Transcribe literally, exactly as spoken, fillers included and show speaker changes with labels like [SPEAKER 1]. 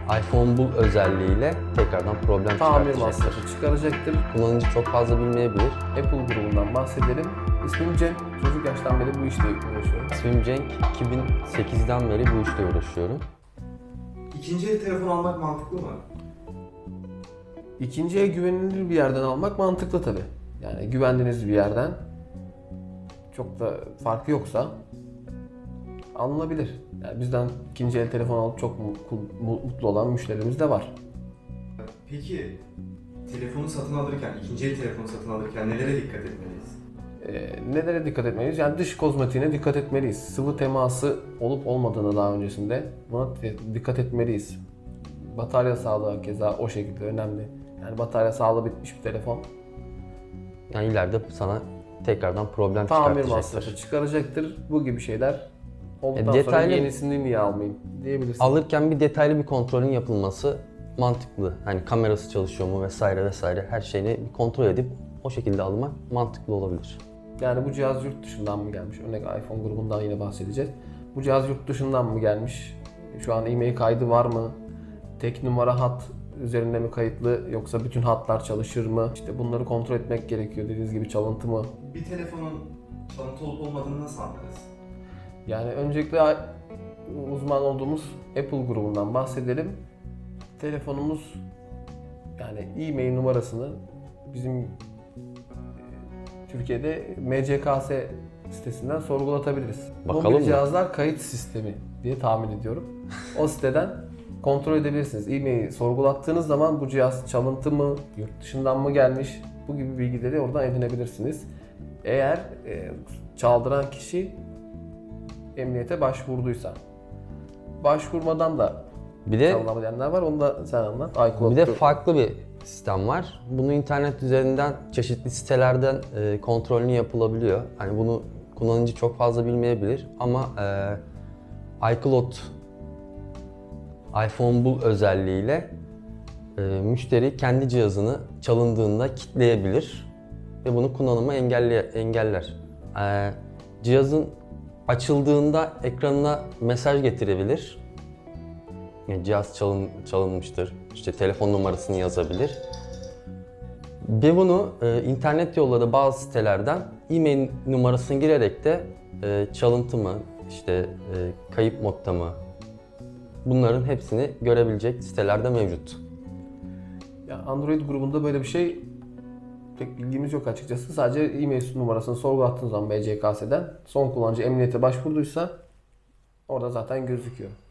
[SPEAKER 1] iPhone Bul özelliğiyle tekrardan problem
[SPEAKER 2] Tamir
[SPEAKER 1] çıkartacaktır.
[SPEAKER 2] masrafı çıkaracaktır.
[SPEAKER 1] Kullanıcı çok fazla bilmeyebilir.
[SPEAKER 2] Apple grubundan bahsedelim. İsmim Cem. Çocuk yaştan beri bu işle uğraşıyorum.
[SPEAKER 1] İsmim Cenk. iki bin sekizden beri bu işle uğraşıyorum.
[SPEAKER 3] İkinci el telefon almak mantıklı mı?
[SPEAKER 2] İkinciye güvenilir bir yerden almak mantıklı tabii. Yani güvendiğiniz bir yerden, çok da farkı yoksa alınabilir. Yani bizden ikinci el telefon alıp çok mutlu, mutlu olan müşterimiz de var.
[SPEAKER 3] Peki telefonu satın alırken, ikinci el telefonu satın alırken nelere dikkat etmeliyiz?
[SPEAKER 2] Ee, nelere dikkat etmeliyiz? Yani dış kozmetiğine dikkat etmeliyiz. Sıvı teması olup olmadığını daha öncesinde buna dikkat etmeliyiz. Batarya sağlığı keza o şekilde önemli. Yani batarya sağlığı bitmiş bir telefon
[SPEAKER 1] Yani ileride sana tekrardan problem
[SPEAKER 2] tamir
[SPEAKER 1] çıkartacaktır.
[SPEAKER 2] masrafı çıkaracaktır. Bu gibi şeyler olduktan
[SPEAKER 1] E, detaylı-
[SPEAKER 2] sonra yenisini niye almayayım diyebilirsin.
[SPEAKER 1] Alırken bir detaylı bir kontrolün yapılması mantıklı. Hani kamerası çalışıyor mu vesaire vesaire her şeyini bir kontrol edip o şekilde almak mantıklı olabilir.
[SPEAKER 2] Yani bu cihaz yurt dışından mı gelmiş? Örnek iPhone grubundan yine bahsedeceğiz. Bu cihaz yurt dışından mı gelmiş? Şu an e-mail kaydı var mı? Tek numara hat üzerinde mi kayıtlı yoksa bütün hatlar çalışır mı? İşte bunları kontrol etmek gerekiyor. Dediğiniz gibi çalıntı mı?
[SPEAKER 3] Bir telefonun çalıntı olup olmadığını nasıl anlarız?
[SPEAKER 2] Yani öncelikle uzman olduğumuz Apple grubundan bahsedelim. Telefonumuz yani e-mail numarasını bizim e, Türkiye'de M C K S sitesinden sorgulatabiliriz.
[SPEAKER 1] Bakalım
[SPEAKER 2] Mobil
[SPEAKER 1] mı?
[SPEAKER 2] cihazlar kayıt sistemi diye tahmin ediyorum. O siteden kontrol edebilirsiniz. E-mail sorgulattığınız zaman bu cihaz çalıntı mı, yurt dışından mı gelmiş, bu gibi bilgileri oradan edinebilirsiniz. Eğer e, çaldıran kişi emniyete başvurduysa. Başvurmadan da
[SPEAKER 1] Bir de
[SPEAKER 2] çalınamayanlar var. Onu da sen anlat. iCloud.
[SPEAKER 1] bir de farklı bir sistem var. Bunu internet üzerinden çeşitli sitelerden e, kontrolünü yapılabiliyor. Hani bunu kullanıcı çok fazla bilmeyebilir ama e, iCloud iPhone Bul özelliğiyle e, müşteri kendi cihazını çalındığında kilitleyebilir ve bunu kullanımı engelle, engeller. E, cihazın açıldığında ekranına mesaj getirebilir. Yani cihaz çalın, çalınmıştır, işte telefon numarasını yazabilir. Ve bunu e, internet yolları bazı sitelerden e-mail numarasını girerek de e, çalıntı mı, işte e, kayıp modda mı, bunların hepsini görebilecek sitelerde mevcut.
[SPEAKER 2] Ya Android grubunda böyle bir şey pek bilgimiz yok açıkçası. Sadece e-mail numarasını sorgulattığınız zaman M C K S'den son kullanıcı emniyete başvurduysa orada zaten gözüküyor.